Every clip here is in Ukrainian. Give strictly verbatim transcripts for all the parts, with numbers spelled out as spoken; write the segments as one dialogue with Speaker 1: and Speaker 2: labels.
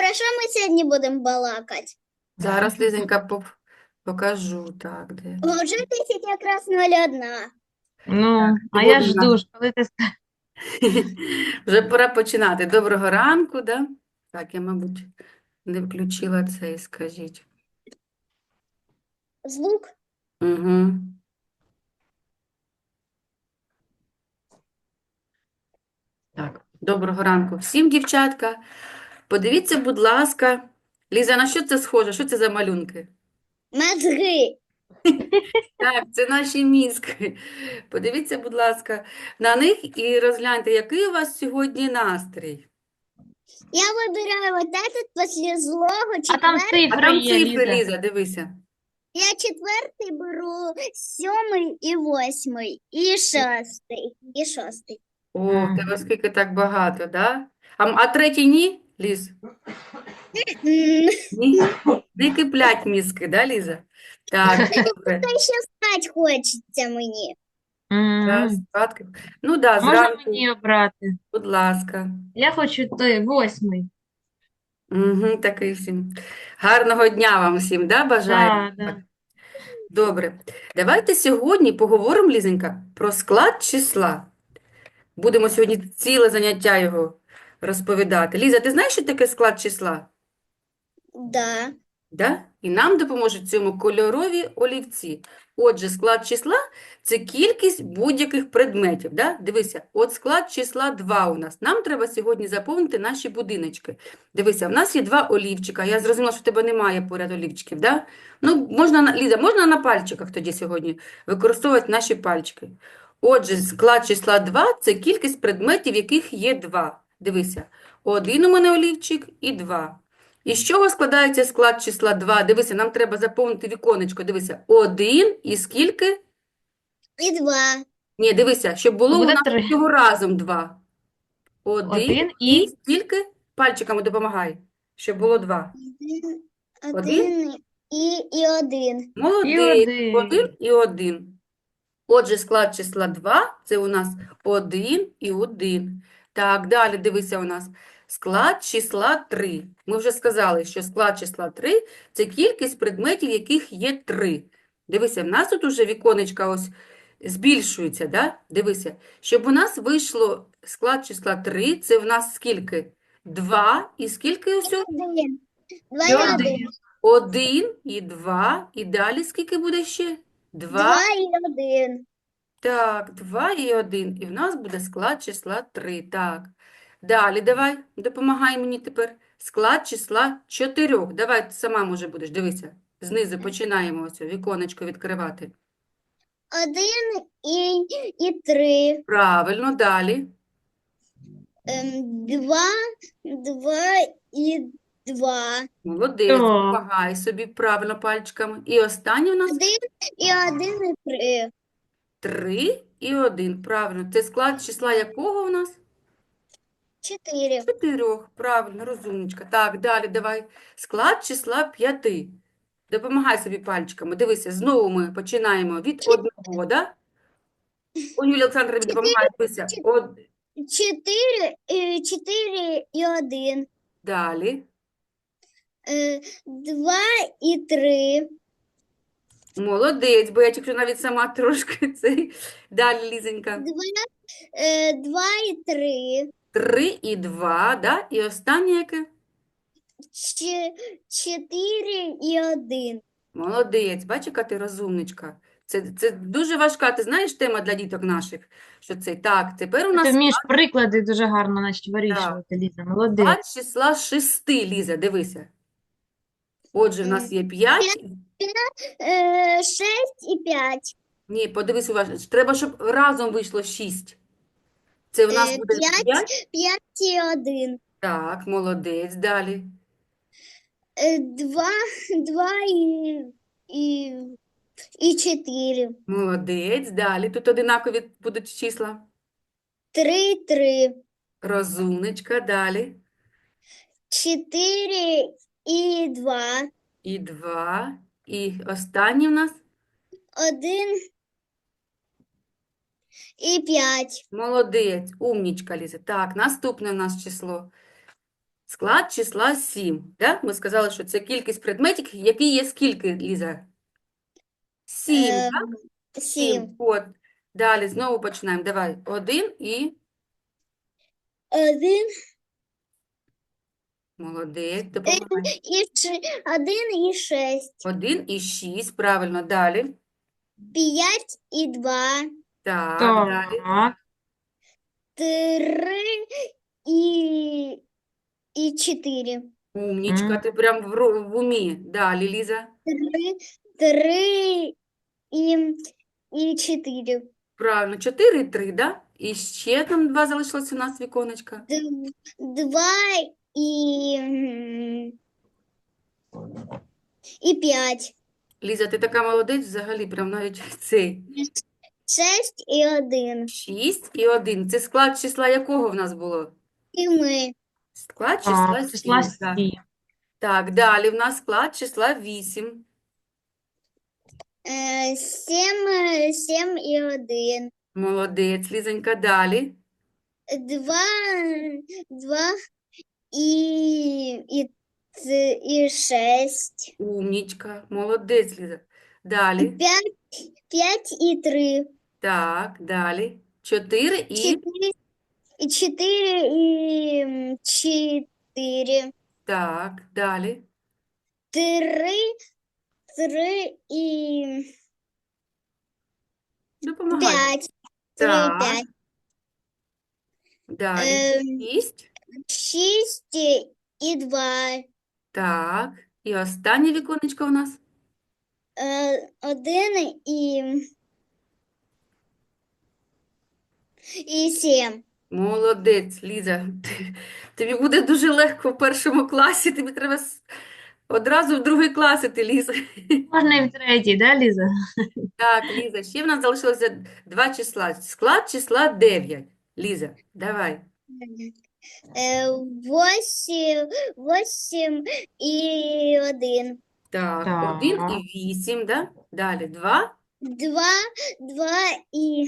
Speaker 1: про що ми сьогодні будемо балакати?
Speaker 2: Зараз, Лізенька, поп- покажу. Так, де?
Speaker 1: О, Вже десять якраз нуль одна.
Speaker 2: Так,
Speaker 3: Ну, а я
Speaker 2: сьогодні у нас
Speaker 3: жду, ж, коли ти скажеш.
Speaker 2: вже пора починати. Доброго ранку, да? Так, я, мабуть, не включила цей, скажіть.
Speaker 1: Звук.
Speaker 2: Угу. Так, доброго ранку всім, дівчатка. Подивіться, будь ласка. Ліза, на що це схоже? Що це за малюнки?
Speaker 1: Мозги.
Speaker 2: Так, це наші мізки. Подивіться, будь ласка, на них і розгляньте, який у вас сьогодні настрій.
Speaker 1: Я вибираю вот этот після злого
Speaker 3: А там
Speaker 1: четвертий.
Speaker 2: А
Speaker 3: цифри
Speaker 2: там
Speaker 3: є,
Speaker 2: цифри,
Speaker 3: Ліза.
Speaker 2: Ліза, дивися.
Speaker 1: Я четвертий беру, сьомий і восьмий, і шостий, і шостий.
Speaker 2: О, в тебе скільки так багато, да? А, м- а третій ні, Ліз?
Speaker 1: М,
Speaker 2: Ні? Не киплять мізки, да, Ліза? Так, добре.
Speaker 1: Та ще спать хочеться мені.
Speaker 2: Раз,
Speaker 3: М.
Speaker 2: спадки. Ну да,
Speaker 3: Можна
Speaker 2: зранку,
Speaker 3: мені обрати?
Speaker 2: будь ласка.
Speaker 3: Я хочу той восьмий.
Speaker 2: Угу, такий всім. Гарного дня вам всім, да, бажаємо?
Speaker 3: Да,
Speaker 2: Так,
Speaker 3: да.
Speaker 2: добре. Давайте сьогодні поговоримо, Лізенька, про склад числа. Будемо сьогодні ціле заняття його розповідати. Ліза, ти знаєш, що таке склад числа?
Speaker 1: Да.
Speaker 2: Да? І нам допоможуть в цьому кольорові олівці. Отже, склад числа – це кількість будь-яких предметів. Да? Дивися, от склад числа два у нас. Нам треба сьогодні заповнити наші будиночки. Дивися, в нас є два олівчика. Я зрозуміла, що в тебе немає поряд олівчиків. Да? Ну, можна, на- Ліза, можна на пальчиках тоді сьогодні використовувати наші пальчики. Отже, склад числа два – це кількість предметів, яких є два. Дивися, один у мене олівчик і два. І з чого складається склад числа два? Дивися, нам треба заповнити віконечко. Дивися, один і скільки?
Speaker 1: І два.
Speaker 2: Ні, дивися, щоб було у
Speaker 3: Буде
Speaker 2: нас
Speaker 3: три.
Speaker 2: всього разом два. Один
Speaker 3: Один
Speaker 2: і
Speaker 3: і
Speaker 2: скільки? Пальчиками допомагай, щоб було два.
Speaker 1: Один,
Speaker 2: Один?
Speaker 1: один і, і один.
Speaker 3: і
Speaker 2: Молодець. Один
Speaker 3: один.
Speaker 2: і один. Отже, склад числа два – це у нас один і один. Так, далі дивися у нас. Склад числа три. Ми вже сказали, що склад числа три – це кількість предметів, яких є три. Дивися, в нас тут уже віконечка ось збільшується, да? Дивися, щоб у нас вийшло склад числа три, це в нас скільки? два і скільки усього?
Speaker 1: Один. Два
Speaker 2: І
Speaker 1: і
Speaker 2: один.
Speaker 1: один.
Speaker 2: Один і два, і далі скільки буде ще? Два.
Speaker 1: Два і один.
Speaker 2: Так, два і один. І в нас буде склад числа три. Так. Далі давай, допомагай мені тепер. Склад числа чотирьох. Давай, ти сама, може, будеш, дивися. Знизу починаємо ось віконечко відкривати.
Speaker 1: Один і, і три.
Speaker 2: Правильно, далі.
Speaker 1: Ем, два, два і два.
Speaker 2: Молодець,
Speaker 3: Так.
Speaker 2: допомагай собі правильно пальчиками. І останнє у нас
Speaker 1: Один і один і три.
Speaker 2: три і один. Правильно. Це склад числа якого у нас?
Speaker 1: Чотири.
Speaker 2: Чотирьох. Правильно, розумничка. Так, далі давай. Склад числа п'яти. Допомагай собі пальчиками. Дивися, знову ми починаємо від одного, да? О, Юлія Олександровна допомагає. Дивися.
Speaker 1: чотири.
Speaker 2: Од...
Speaker 1: Чотири, е, чотири і один.
Speaker 2: Далі.
Speaker 1: Е, Два і три.
Speaker 2: Молодець, бо я тільки навіть сама трошки цей. Далі, Лізенька.
Speaker 1: Два, е, два і три.
Speaker 2: Три і два, да? І останнє яке?
Speaker 1: Ч- Чотири і один.
Speaker 2: Молодець. Бачиш, яка ти розумничка. Це, це дуже важка, ти знаєш, тема для діток наших, що це так. Тепер у
Speaker 3: Ти
Speaker 2: нас
Speaker 3: вмієш приклади дуже гарно, значить,
Speaker 2: так,
Speaker 3: вирішувати, Ліза. Молодець.
Speaker 2: склад числа шести, Ліза, дивися. Отже, в нас є п'ять.
Speaker 1: Е, Шесть і п'ять.
Speaker 2: Ні, подивись уважно. Треба, щоб разом вийшло шість. Це у нас
Speaker 1: Е,
Speaker 2: буде
Speaker 1: П'ять,
Speaker 2: п'ять.
Speaker 1: п'ять і один.
Speaker 2: Так, молодець. Далі.
Speaker 1: Е, Два, два і, і, і чотири.
Speaker 2: Молодець. Далі. Тут одинакові будуть числа.
Speaker 1: Три, і три.
Speaker 2: Розумничка. Далі.
Speaker 1: Чотири і два.
Speaker 2: І два. І останній у нас.
Speaker 1: Один і п'ять.
Speaker 2: Молодець. Умнічка, Ліза. Так, наступне у нас число. Склад числа сім. Да? Ми сказали, що це кількість предметів, які є скільки, Ліза? Сім,
Speaker 1: Е,
Speaker 2: так?
Speaker 1: сім.
Speaker 2: Сім. От. Далі знову починаємо. Давай. Один і
Speaker 1: Один
Speaker 2: молодець, допомагай.
Speaker 1: і ш... один і шесть.
Speaker 2: Один і шість. Правильно. Далі.
Speaker 1: П'ять і два.
Speaker 2: Так, далі.
Speaker 3: Так.
Speaker 1: Три і, і чотири.
Speaker 2: Умнічка,
Speaker 3: М.
Speaker 2: ти прям в, ру- в умі. Далі, Ліза.
Speaker 1: Три, три і, і чотири.
Speaker 2: Правильно. Чотири і три, да? І ще там два залишилось у нас віконечка.
Speaker 1: Д- Два і, м, і п'ять.
Speaker 2: Ліза, ти така молодець взагалі, прям навіть цей.
Speaker 1: Шесть і один.
Speaker 2: Шість і один. Це склад числа якого в нас було?
Speaker 1: І ми.
Speaker 2: Склад числа
Speaker 3: Так, числа
Speaker 2: сім. Так.
Speaker 3: сім.
Speaker 2: Так, далі в нас склад числа вісім.
Speaker 1: Е, Сім, е, сім і один.
Speaker 2: Молодець, Лізонька, далі.
Speaker 1: Два, два і, і, ц- і шесть.
Speaker 2: Умнічка, молодець, Ліза. Далі.
Speaker 1: П'ять, п'ять і три.
Speaker 2: Так, далі. Чотири і
Speaker 1: Чотири, і чотири і м, чотири.
Speaker 2: так, далі.
Speaker 1: Три, три і
Speaker 2: Допомагай.
Speaker 1: п'ять. Три і
Speaker 2: Так,
Speaker 1: п'ять.
Speaker 2: далі.
Speaker 1: Ем,
Speaker 2: Шість.
Speaker 1: Шість і два.
Speaker 2: Так. І останнє віконечко у нас.
Speaker 1: Е, Один і, і сім.
Speaker 2: Молодець, Ліза. Ти- Тобі буде дуже легко в першому класі. Тобі треба с- одразу в другий клас іти, Ліза.
Speaker 3: Можна і в третій, да, Ліза?
Speaker 2: Так, Ліза, ще в нас залишилося два числа. Склад числа дев'ять. Ліза, давай.
Speaker 1: Е, Восім, восім і один.
Speaker 2: Так, один
Speaker 3: Так.
Speaker 2: і вісім, да? Далі два.
Speaker 1: Два, два і,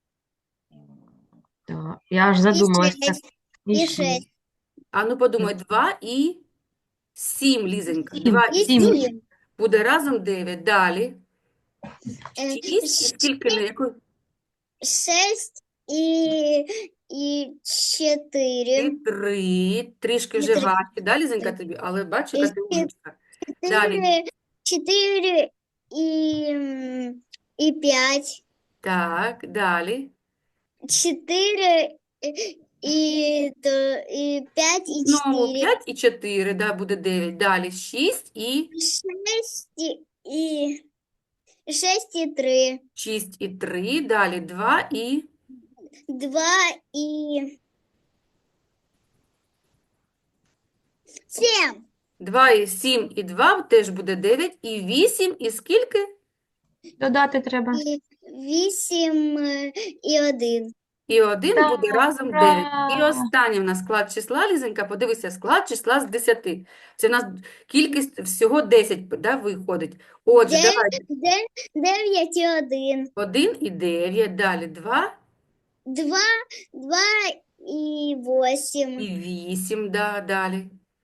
Speaker 3: Так. Я аж
Speaker 1: і
Speaker 3: задумалась. Так.
Speaker 1: шесть.
Speaker 3: І
Speaker 1: І
Speaker 3: шість.
Speaker 1: шесть.
Speaker 2: А ну подумай, два і сім, Лізонька.
Speaker 3: Сім.
Speaker 2: Два
Speaker 1: І
Speaker 2: і
Speaker 3: Сім.
Speaker 2: сім
Speaker 1: сім.
Speaker 2: буде разом дев'ять. Далі.
Speaker 1: Е,
Speaker 2: Шість і скільки на яку?
Speaker 1: Шесть і, і
Speaker 2: І
Speaker 1: чотири.
Speaker 2: три. Трішки
Speaker 1: І
Speaker 2: вже
Speaker 1: три.
Speaker 2: важче, да, Лізонька, тобі? Але бач,
Speaker 1: І
Speaker 2: яка ти умничка. Далі.
Speaker 1: Чотири, чотири і, м, і п'ять.
Speaker 2: Так, далі.
Speaker 1: Чотири і, то, і п'ять і
Speaker 2: Знову
Speaker 1: чотири.
Speaker 2: п'ять і чотири, да, буде дев'ять. Далі шість і
Speaker 1: Шесть і, шесть і три.
Speaker 2: шість і три. Далі два і
Speaker 1: Два і сім.
Speaker 2: два і сім і два теж буде дев'ять. І вісім і скільки?
Speaker 3: Додати треба.
Speaker 1: І вісім е, і один.
Speaker 2: І один буде
Speaker 3: Так,
Speaker 2: разом дев'ять. І
Speaker 3: ура!
Speaker 2: останнє в нас склад числа, Лізонька, подивися, склад числа з десяти. Це в нас кількість всього десять, да, виходить. Отже,
Speaker 1: Де-
Speaker 2: давай.
Speaker 1: де- Дев'ять і один.
Speaker 2: один і дев'ять, далі два
Speaker 1: Два, два і восім.
Speaker 2: і вісім, да, далі.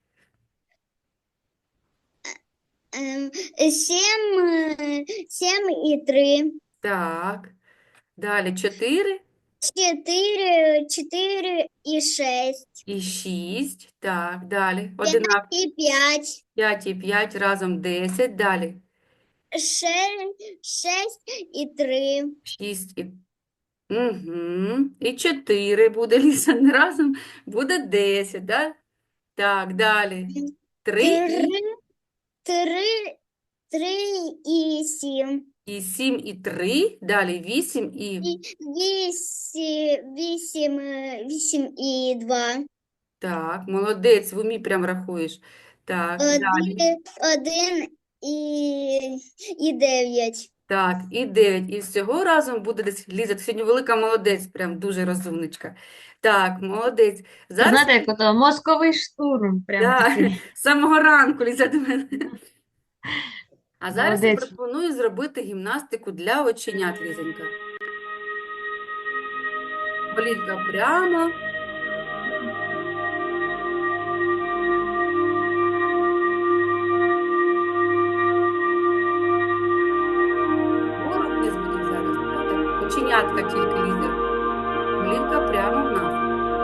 Speaker 1: Ем, Сім, е, сім і три.
Speaker 2: Так. Далі чотири
Speaker 1: Чотири, чотири і шесть.
Speaker 2: і шість. Так, далі. Одинак.
Speaker 1: І п'ять.
Speaker 2: п'ять і п'ять разом десять. Далі.
Speaker 1: Шесть, шесть і три.
Speaker 2: шість і... Угу. І чотири буде, Ліса, разом буде десять, да? Так, далі. три
Speaker 1: Три,
Speaker 2: і,
Speaker 1: три, три і сім.
Speaker 2: і сім і три. Далі вісім і...
Speaker 1: І вісім, вісім, е, вісім і два.
Speaker 2: Так, молодець, в умі прям рахуєш. Так, далі.
Speaker 1: Один, один і, і дев'ять.
Speaker 2: Так, і дев'ять. І всього разом буде десь, Ліза, ти сьогодні велика молодець, прям дуже розумничка. Так, молодець. Зараз,
Speaker 3: Знаєте, як ото мозковий штурм. Прям
Speaker 2: да,
Speaker 3: такий.
Speaker 2: з самого ранку, Ліза, до мене. А зараз я
Speaker 3: Молодець.
Speaker 2: пропоную зробити гімнастику для оченят, Лізонька. Голівка прямо. Олівка тільки, Ліза. Олівка прямо в нас.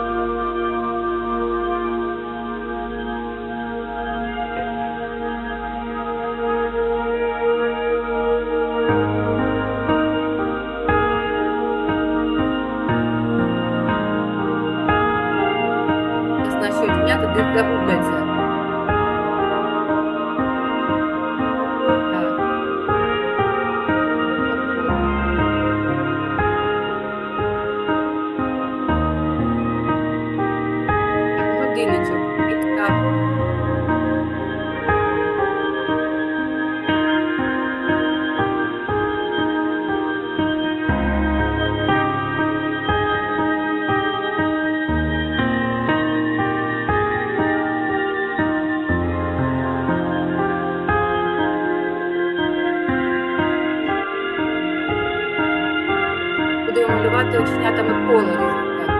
Speaker 2: Зараз наші оченята десь загубляться. Так. Так, годинничок. Так. Будемо малювати оченятами коло, Ліза. Так.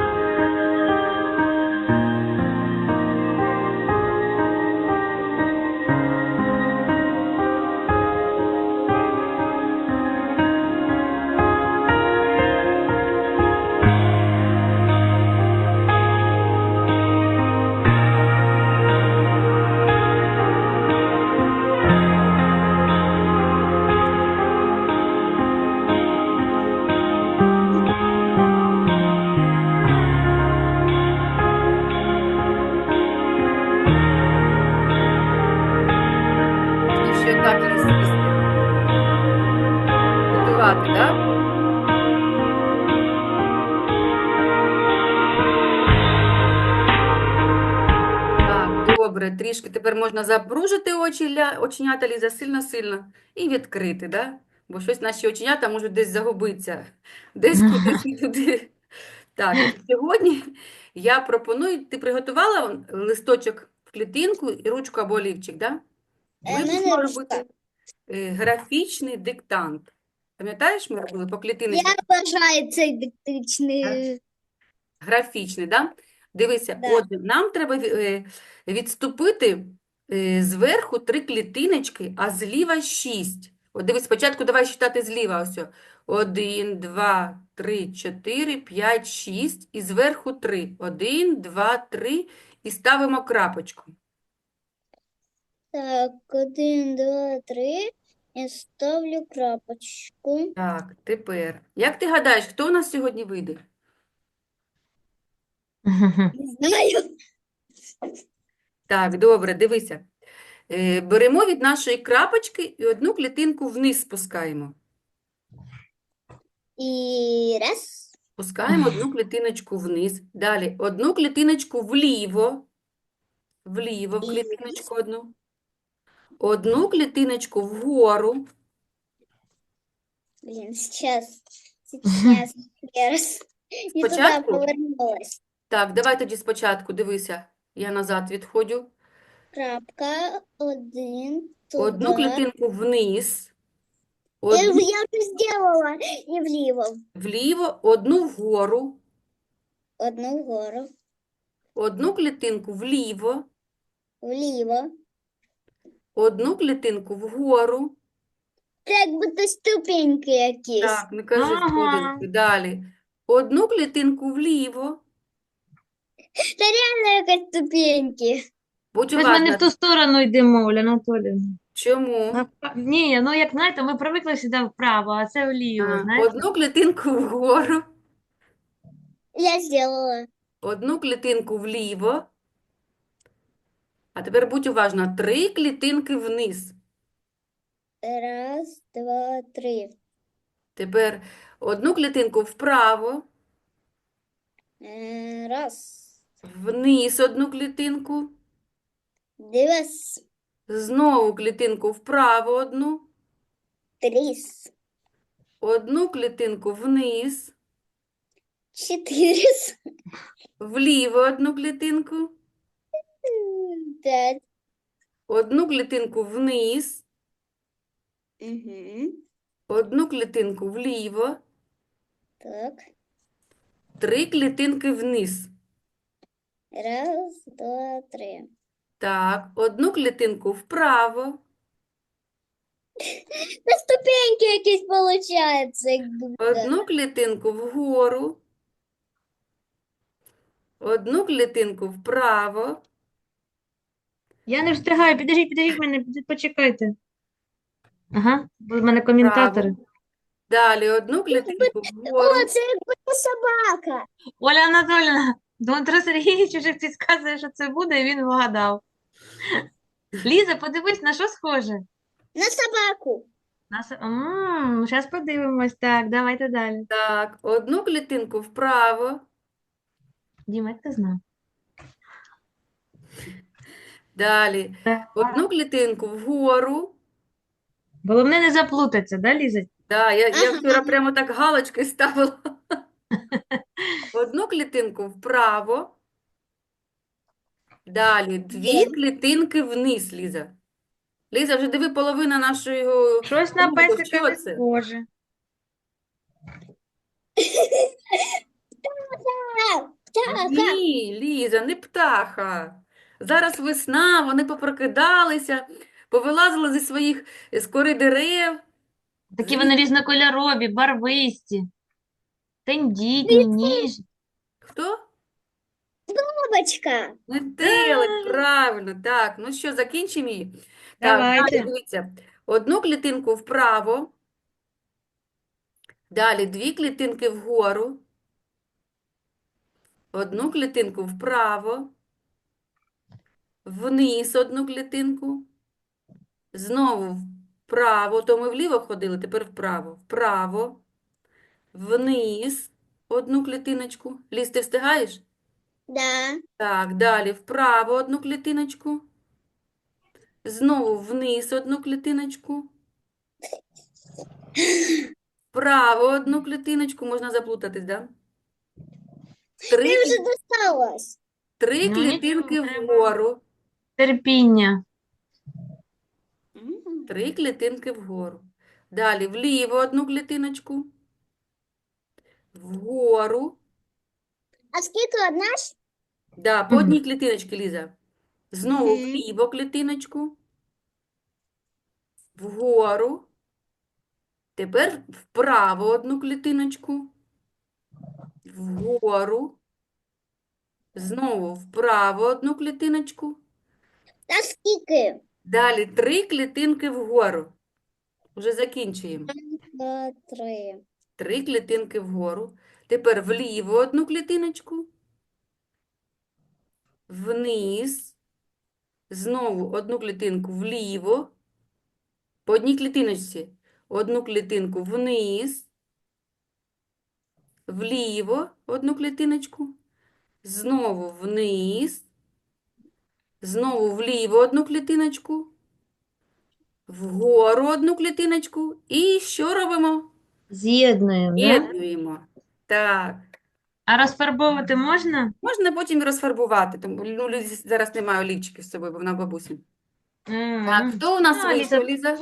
Speaker 2: І ще так лізти. Готувати, так? Так, добре. Трішки тепер можна запружити очі, ля- оченята, Ліза, сильно-сильно і відкрити, да? Бо щось наші оченята можуть десь загубитися. Десь кудись і туди. Так, сьогодні я пропоную, ти приготувала листочок в клітинку і ручку або олівчик, да?
Speaker 1: Е,
Speaker 2: Ми
Speaker 1: в мене
Speaker 2: будемо
Speaker 1: ручка.
Speaker 2: робити е, графічний диктант. Пам'ятаєш, ми робили по
Speaker 1: Я
Speaker 2: клітиночках?
Speaker 1: бажаю цей диктичний.
Speaker 2: Графічний, да? Дивися,
Speaker 1: Да.
Speaker 2: отже, нам треба ві- е, відступити е, зверху три клітиночки, а зліва шість. От дивись, спочатку давай читати зліва ось. о. Один, два, три, чотири, п'ять, шість. І зверху три. Один, два, три. І ставимо крапочку.
Speaker 1: Так, один, два, три. Я ставлю крапочку.
Speaker 2: Так, тепер. Як ти гадаєш, хто у нас сьогодні вийде?
Speaker 1: Не знаю.
Speaker 2: Так, добре, дивися. Е, Беремо від нашої крапочки і одну клітинку вниз спускаємо.
Speaker 1: І раз.
Speaker 2: Спускаємо одну клітиночку вниз. Далі одну клітиночку вліво. Вліво в
Speaker 1: І
Speaker 2: клітиночку одну. Одну клітиночку вгору.
Speaker 1: Блин, сейчас, сейчас, я раз не туда
Speaker 2: Спочатку?
Speaker 1: повернулась.
Speaker 2: Так, давай тоді спочатку, дивися. Я назад відходжу.
Speaker 1: Крапка, один,
Speaker 2: Одну
Speaker 1: туда.
Speaker 2: клітинку вниз.
Speaker 1: Я,
Speaker 2: Одну
Speaker 1: я уже сделала. И влево.
Speaker 2: вліво, одну вгору.
Speaker 1: Одну вгору.
Speaker 2: Одну клітинку вліво.
Speaker 1: Влево.
Speaker 2: Одну клітинку вгору.
Speaker 1: Как будто ступеньки якісь.
Speaker 2: Так, не кажи
Speaker 3: Ага.
Speaker 2: сходинки. Далі. Одну клітинку вліво.
Speaker 1: Та реально якась ступеньки.
Speaker 2: Будь
Speaker 3: Ми ж ми не
Speaker 2: уважна.
Speaker 3: в ту сторону йдемо, Оля Анатоліївна.
Speaker 2: Чому?
Speaker 3: Навпа- Ні, ну як знаєте, ми привикли сюди вправо, а це вліво,
Speaker 2: А,
Speaker 3: знаєте?
Speaker 2: Одну клітинку вгору,
Speaker 1: Я сделала.
Speaker 2: одну клітинку вліво. А тепер будь уважна. Три клітинки вниз.
Speaker 1: Раз, два, три.
Speaker 2: Тепер одну клітинку вправо,
Speaker 1: Е, Раз.
Speaker 2: вниз одну клітинку,
Speaker 1: Два.
Speaker 2: знову клітинку вправо одну,
Speaker 1: Три.
Speaker 2: одну клітинку вниз,
Speaker 1: Четыре.
Speaker 2: вліво одну клітинку,
Speaker 1: Пять.
Speaker 2: одну клітинку вниз,
Speaker 1: Угу.
Speaker 2: одну клітинку вліво,
Speaker 1: Так.
Speaker 2: три клітинки вниз.
Speaker 1: Раз, два, три.
Speaker 2: Так, одну клітинку вправо,
Speaker 1: На ступеньки якісь получається, як будто.
Speaker 2: Одну клітинку вгору, одну клітинку вправо,
Speaker 3: Я не встигаю, підождіть, підождіть мене, піди- почекайте. Ага, бо в мене коментатори.
Speaker 2: вправо. Далі одну клітинку
Speaker 1: О,
Speaker 2: вгору.
Speaker 1: це як будто собака.
Speaker 3: Оля Анатоліївна, Дмитро Сергійович уже підказує, що це буде, і він вгадав. Ліза, подивись, на що схоже?
Speaker 1: На собаку.
Speaker 3: На... Зараз подивимось. Так, давайте далі.
Speaker 2: Так, одну клітинку вправо.
Speaker 3: Діма, як ти знав?
Speaker 2: Далі одну клітинку вгору.
Speaker 3: Головне не заплутатися, да, Ліза?
Speaker 2: Да, я, я
Speaker 1: Ага.
Speaker 2: вчора прямо так галочки ставила. Одну клітинку вправо. Далі дві
Speaker 1: Є.
Speaker 2: клітинки вниз, Ліза. Ліза, вже диви, половина нашого
Speaker 3: Щось на
Speaker 2: кругу.
Speaker 3: песика
Speaker 2: Що
Speaker 3: не
Speaker 2: це?
Speaker 3: схоже.
Speaker 1: Так, так.
Speaker 2: Ні, Ліза, не птаха. Зараз весна, вони попрокидалися, повилазили зі своїх з кори дерев.
Speaker 3: Такі
Speaker 2: Звідки?
Speaker 3: вони різнокольорові, барвисті, тендітні, ніжні.
Speaker 2: Хто?
Speaker 1: Бабочка.
Speaker 2: Метелик, правильно, так. Ну що, закінчимо її? Так, далі
Speaker 3: Давайте.
Speaker 2: дивіться. Одну клітинку вправо, далі дві клітинки вгору, одну клітинку вправо, вниз одну клітинку, знову вправо, то ми вліво ходили, тепер вправо, вправо, вниз одну клітиночку. Ліз, ти встигаєш?
Speaker 1: Да.
Speaker 2: Так, далі вправо одну клітиночку, знову вниз одну клітиночку, вправо одну клітиночку, можна заплутатись, да? Три,
Speaker 1: Ти вже досталось.
Speaker 2: три
Speaker 3: Ну,
Speaker 2: клітинки
Speaker 3: нічого, треба.
Speaker 2: вгору,
Speaker 3: Терпіння.
Speaker 2: три клітинки вгору. Далі вліво одну клітиночку, вгору,
Speaker 1: А скільки одна ж?
Speaker 2: да, по
Speaker 3: Мгм.
Speaker 2: одній клітиночці, Ліза. Знову
Speaker 1: Мгм.
Speaker 2: вліво клітиночку, вгору, тепер вправо одну клітиночку, вгору, знову вправо одну клітиночку,
Speaker 1: А скільки?
Speaker 2: далі три клітинки вгору. Вже закінчуємо.
Speaker 1: Два, три.
Speaker 2: Три клітинки вгору. Тепер вліво одну клітиночку, вниз, знову одну клітинку вліво, по одній клітиночці, одну клітинку вниз, вліво одну клітиночку, знову вниз, знову вліво одну клітиночку, вгору одну клітиночку і що робимо?
Speaker 3: З'єднуємо, да?
Speaker 2: З'єднуємо. Так.
Speaker 3: А розфарбовувати можна?
Speaker 2: Можна потім розфарбувати, тому ну, Лізі зараз немає олівчиків з собою, бо вона бабусі. Так,
Speaker 3: М.
Speaker 2: хто у нас
Speaker 3: А, Ліза,
Speaker 2: вийшов, Ліза?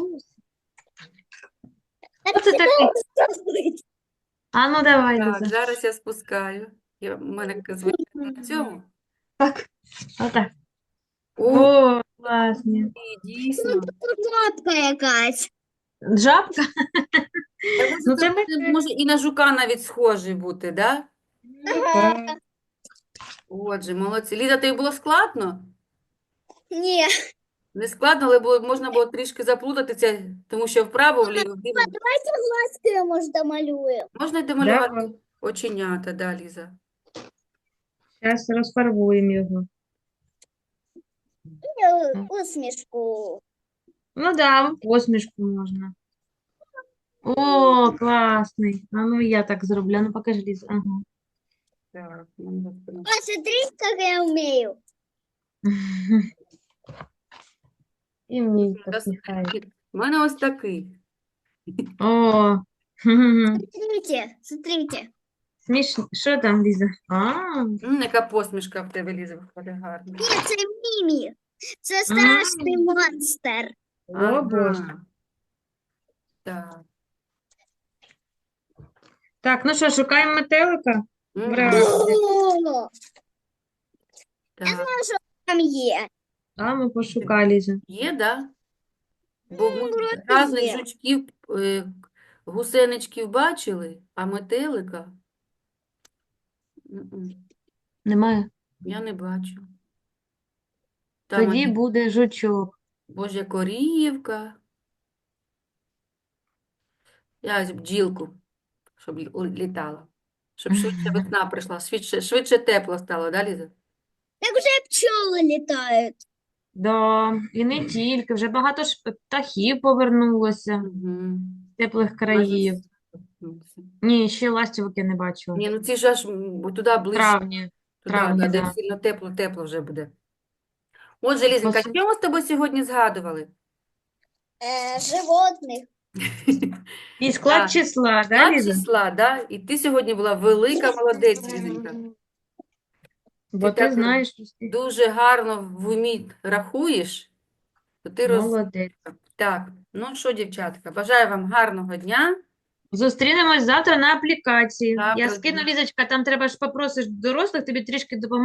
Speaker 3: Хто це такий? А ну давай,
Speaker 2: Так,
Speaker 3: Ліза.
Speaker 2: зараз я спускаю. Я, в мене звичайно на цьому.
Speaker 3: Так, отак.
Speaker 2: О,
Speaker 3: О, класні.
Speaker 2: дійсно.
Speaker 1: Жабка якась.
Speaker 3: Жабка?
Speaker 2: Та може,
Speaker 3: Ну,
Speaker 2: це
Speaker 3: це
Speaker 2: може,
Speaker 3: ми-
Speaker 2: може і на жука навіть схожий бути, да?
Speaker 1: Ага.
Speaker 2: Отже, молодці. Ліза, тобі було складно?
Speaker 1: Ні.
Speaker 2: Не складно, але було, можна було трішки заплутатися, тому що вправо, вліво, вліво.
Speaker 1: Давайте глазки я, може, домалюю.
Speaker 2: Можна й домалювати
Speaker 3: Давай.
Speaker 2: оченята, да, Ліза?
Speaker 3: Зараз розфарбуємо його.
Speaker 1: І усмішку.
Speaker 3: Ну да, посмішку можна. О, класний. А ну я так зроблю. А ну покажи, Ліза. Ага.
Speaker 2: Так, нам достатньо.
Speaker 1: А смотри, как я умею.
Speaker 3: І мій так
Speaker 2: Дос-
Speaker 3: нехай.
Speaker 2: У мене ось такий.
Speaker 3: О, хе-хе-хе.
Speaker 1: Смотрите, смотрите.
Speaker 3: Смішно. Що там, Ліза? А,
Speaker 2: М, яка посмішка в тебе, Ліза, виходить гарна.
Speaker 1: Ні, це Мімі. Це страшний монстр.
Speaker 3: о, Боже.
Speaker 2: Ага. Так.
Speaker 3: Так, ну що, шукаємо метелика?
Speaker 2: Мгм.
Speaker 3: Браво.
Speaker 1: О,
Speaker 2: Так.
Speaker 1: там є.
Speaker 3: А, ми пошукали, Ліза.
Speaker 2: Є, да? Бо ми
Speaker 1: вроде
Speaker 2: різних
Speaker 1: є.
Speaker 2: жучків, е, гусеничків бачили, а метелика м-м,
Speaker 3: Немає.
Speaker 2: я не бачу. Там
Speaker 3: Тоді
Speaker 2: один,
Speaker 3: буде жучок.
Speaker 2: Божа корівка. Я ось бджілку, щоб лі- літала. Щоб швидше весна прийшла, швидше, швидше тепло стало, да, Ліза?
Speaker 1: Так вже пчоли літають.
Speaker 3: Да, і не тільки, вже багато ж птахів повернулося
Speaker 2: Угу.
Speaker 3: з теплих країв. Ні, ще ластівки не бачила.
Speaker 2: Ні, ну ці ж аж м, бо туди
Speaker 3: В
Speaker 2: ближче,
Speaker 3: травні, в
Speaker 2: туди, да,
Speaker 3: травні,
Speaker 2: де
Speaker 3: да.
Speaker 2: сильно тепло-тепло вже буде. Отже, Лізенька,
Speaker 3: Посу-
Speaker 2: що ми з тобою сьогодні згадували?
Speaker 1: Е, животних.
Speaker 3: І склад
Speaker 2: Так,
Speaker 3: числа, да,
Speaker 2: склад
Speaker 3: Ліза?
Speaker 2: числа, да? І ти сьогодні була велика молодець, Лізенька.
Speaker 3: Бо
Speaker 2: Ти
Speaker 3: ти
Speaker 2: так
Speaker 3: знаєш, що ти
Speaker 2: дуже гарно в умі рахуєш, то ти роз...
Speaker 3: молодець.
Speaker 2: Так, ну що, дівчатка, бажаю вам гарного дня.
Speaker 3: Зустрінемось завтра на аплікації. Я
Speaker 2: Завтра
Speaker 3: скину, Лізочка, там треба ж попросиш дорослих, тобі трішки допомогти.